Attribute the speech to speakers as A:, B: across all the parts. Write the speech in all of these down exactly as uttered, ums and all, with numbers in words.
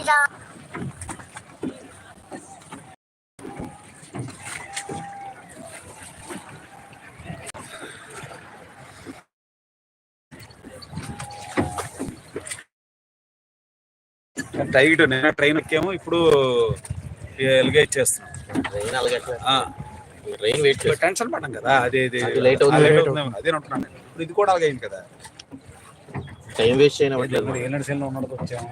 A: Tight నేను train ఎక్కాము, ఇప్పుడు ఎలిగేట్ చేస్తున్నాం.
B: ట్రైన్ అలాగే ట్రైన్ వెయిట్
A: టెన్షన్ పడ్డాం కదా, అదే
B: లేట్ అవుతుంది
A: అదే ఉంటున్నాను. ఇప్పుడు ఇది కూడా అలాగే అయింది కదా,
B: టైం వేస్ట్ చేయడం.
A: ఏ నడిచేలో ఉన్నది వచ్చాము.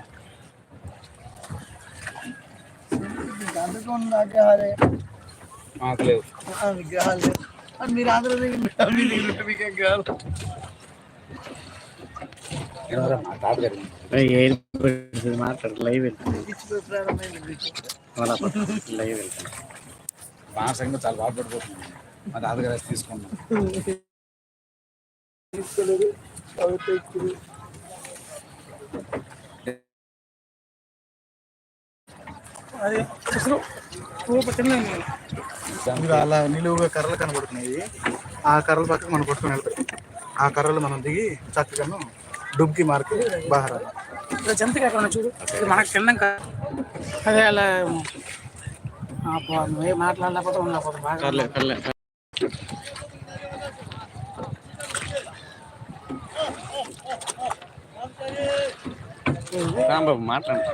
A: మాకు లేవు విగ్రహాలు, మీరు ఆంధ్ర విగ్రహాలు.
C: మాట్లాడు లైవ్ లైవ్
A: మా సంగతి చాలా బాధపడిపోతుంది. మా తాతగారు తీసుకున్నాం.
C: అలా నిలువుగా కర్రలు కనబడుతున్నాయి. ఆ కర్రల పక్కన మనం కొట్టుకుని వెళ్తాం. ఆ కర్రలు మనం దిగి చక్కగా డుబ్కి మార్కి బాగా
D: జంతగా ఎక్కడ చూడు, మనకు తిన్నాక అదే అలా నువ్వే మాట్లాడలేకపోతే ఉండకపోతే బాగా
C: రాంబాబు మాట్లాడు.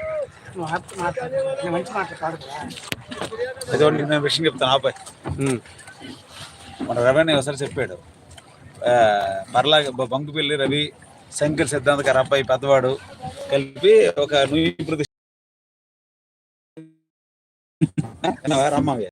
D: మంచి మాట్లాడు.
A: అదే నేను విషయం చెప్తాను. ఆపాయ్ మన రవి ఒకసారి చెప్పాడు, మరలా బంకుపల్లి రవి, శంకర్ సిద్ధాంత్ గారు అబ్బాయి పెద్దవాడు కలిపి ఒక నువ్వు ప్రతిష్ట రమ్మవి